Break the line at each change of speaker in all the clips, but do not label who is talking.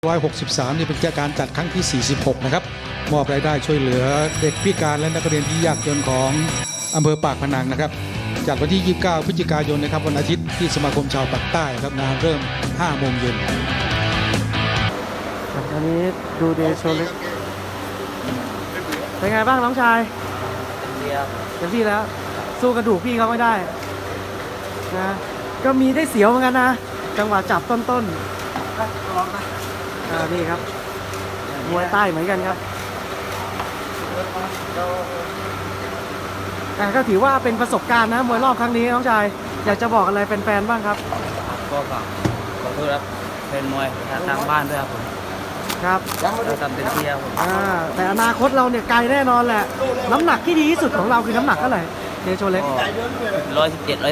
163นี่เป็นการจัดครั้งที่ 46 นะครับมอบรายได้ช่วยเหลือเด็กพิการและนักเรียนที่ยากจนของอำเภอปากพนังนะครับจัดวันที่ 29 พฤศจิกายนนะครับวันอาทิตย์ที่สมาคมชาวปากใต้ครับงานเริ่ม 5 โมงเย็น
อันนี้ดูเดโชเล็กเป็นไงบ้างน้องชายเต็มที่แล้วสู้กระดูกพี่เขาไม่ได้นะก็มีได้เสียวเหมือนกันนะจังหวะจับต้นนี่ครับมวยใต้เหมือนกันครับก็ถือว่าเป็นประสบการณ์นะมวยรอบครั้งนี้น้องชายอยากจะบอกอะไรแฟนๆบ้างครับ
ก็ขอโทษครับเป็นมวยทางบ้านด้วยครับผม
ครับ
เราทำเต็มที่ครับผม
แต่อนาคตเราเนี่ยไกลแน่นอนแหละน้ำหนักที่ดีที่สุดของเราคือน้ำหนักเท่าไหร่เดโชเล็ก
117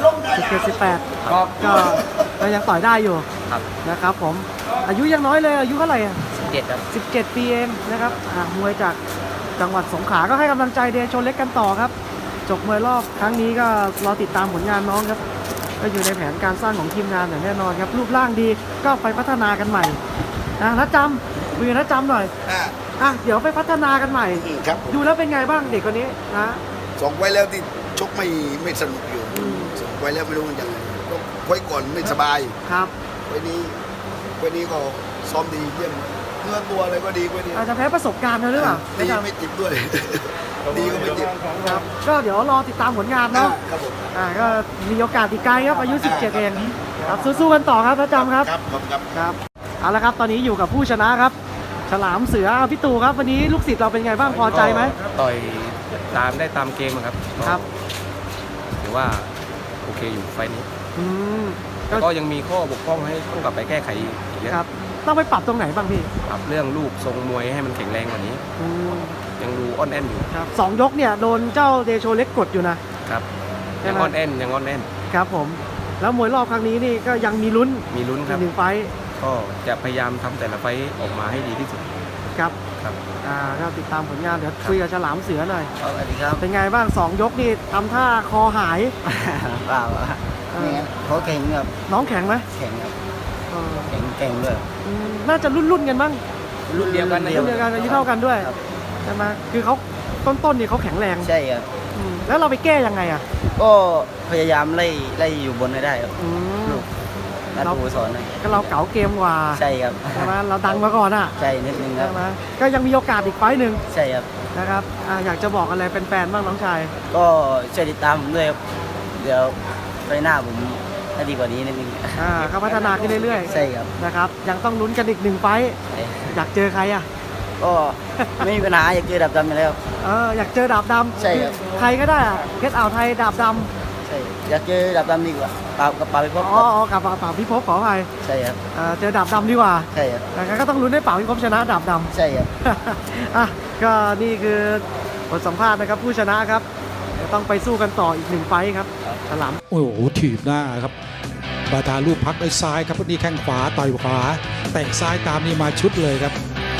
118ก็ยังต่อยได้อยู่นะครับผมอายุยังน้อยเลยอายุเท่าไหร่
17ครับ
17 ปีเองนะครับมวยจากจังหวัดสงขลาก็ให้กำลังใจเดโชเล็กกันต่อครับจบมวยรอบครั้งนี้ก็รอติดตามผลงานน้องครับก็อยู่ในแผนการสร้างของทีมงานอย่างแน่นอนครับรูปร่างดีก็ไปพัฒนากันใหม่นัดจำคุยกับนัดจำหน่อยเดี๋ยวไปพัฒนากันใหม่ดูแล้วเป็นไงบ้างเด็กคนนี้นะ
ส่งไว้แล้วที่ชกไม่สนุกอยู่ส่งไว้แล้วไม่รู้มันยังไงไว้ก่อนไม่สบาย
ครับ
ไว้นี้ก็ซ้อมดีเยี่ยมเนื้อตัวอะไรก็ดีไว้นี้
อาจจะแพ้ประสบการณ์หรือเปล่า
ดีไม่ติดด้วยดีก็ไม่ติด
ครับก็เดี๋ยวรอติดตามผลงานเนาะ
ครับผม
ก็มีโอกาสอีกไกลครับอายุ17เองครับสู้ๆกันต่อครับนัดจำครับครับเอาละครับตอนนี้อยู่กับผู้ชนะครับฉลามเสือพี่ตู่ครับวันนี้ลูกศิษย์เราเป็นไงบ้างพอใจไหม
ต่อยตามเกมครับถือว่าโอเคอยู่ไฟนี้ก็ยังมีข้อบกพร่องให้ต้องกลับไปแก้ไขอีกเยอะ
ครับต้องไปปรับตรงไหนบ้างพี่
ปรับเรื่องลูกทรงมวยให้มันแข็งแรงกว่านี้ยังดูอ่อนแอนอยู่
ครับ2 ยกเนี่ยโดนเจ้าเดโชเล็กกดอยู่นะครับ
ยังอ่อนแอน
ครับผมแล้วมวยรอบครั้งนี้นี่ก็ยังมีลุ้น
ครับ
1 ไฟ
ก็จะพยายามทำแต่ละไฟออกมาให้ดีที่สุด
ครับก็ติดตามผลงานเดี๋ยวคุยกับฉลามเสือหน่อย
สวัสดีครับ
เป็นไงบ้าง2 ยกนี่ทำท่าคอหาย
เปล่าเขาเก่งครับ
น้องแข็งไหม
แข็งครับเก่งด้วย
น่าจะรุ่นกันบ้าง
รุ่นเดียวกัน
อายุเท่ากันด้วยใช่ไหมคือเขาต้นนี่เขาแข็งแรง
ใช่ครับ
แล้วเราไปแก้ยังไง
ก็พยายามไล่อยู่บนให้ได้ครับเราสอน
ก็เราเก๋าเกมกว่า
ใช่ครับ
ใช่ไหมเราดังมาก่อน
ใช่นิดนึงครับ
ก็ยังมีโอกาสอีกไฟหนึ่ง
ใช่ครับ
นะครับอยากจะบอกอะไรแฟนๆบ้างน้องชาย
ก็ช่วยติดตามผมด้วยครับเดี๋ยวไปหน้าผมให้ดีกว่านี้นิดนึง
ก็พัฒนาขึ้นเรื่อย
ๆใช่ครับ
นะครับยังต้องลุ้นกันอีก1 ไฟอยากเจอใคร
ก็ไม่มีปัญหาอยากเจอดาบดำอยู่แล้ว
อยากเจอดาบดำ
ใช่ครับ
ใครก็ได้เพชรอ่าวไทยดาบดำ
ใช่อยากเจอดาบดำดีกว่ากับป่าพิภพ
กับป่าพิภพขออภัย
ใช่ครับ
เจอดาบดำดีกว่า
ใช่ครับ
แต่ก็ต้องลุ้นให้ป่าพิภพชนะดาบด
ำใช่ครับ
ก็นี่คือบทสัมภาษณ์นะครับผู้ชนะครับจะต้องไปสู้กันต่ออีก1 ไฟครับฉลาม
โอ้โหถีบหน้าครับบาทาลูกพักด้วยซ้ายครับนี่แข้งขวาต่อยขวาเตะซ้ายตามนี่มาชุดเลยครับ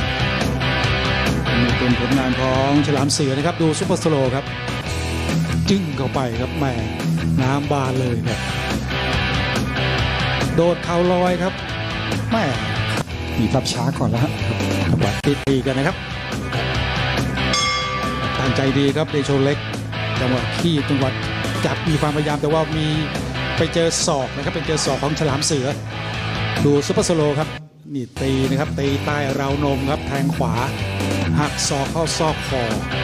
นี่เป็นผลงานของฉลามเสือนะครับดูซุปเปอร์สโลว์ครับจิ้งเข้าไปครับแม่น้ำบานเลยครับโดดเข่าลอยครับแม่มีภาพช้าก่อนแล้วครับตีกันนะครับตั้งใจดีครับเดโชเล็กจังหวะที่จังหวะจับมีความพยายามแต่ว่ามีไปเจอศอกนะครับเป็นเจอศอกของฉลามเสือดูซุปเปอร์สโลว์ครับนี่ตีนะครับตีใต้ราวนมครับแทงขวาหักศอกเข้าซอกคอ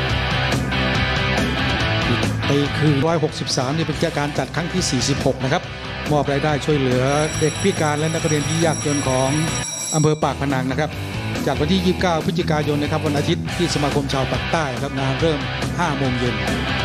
ตีคือ163นี่เป็นการจัดครั้งที่ 46นะครับมอบรายได้ช่วยเหลือเด็กพิการและนักเรียนที่ยากจนของอำเภอปากพนังนะครับจัดวันที่ 29 พฤศจิกายนนะครับวันอาทิตย์ที่สมาคมชาวปากใต้ครับงานเริ่ม 5 โมงเย็น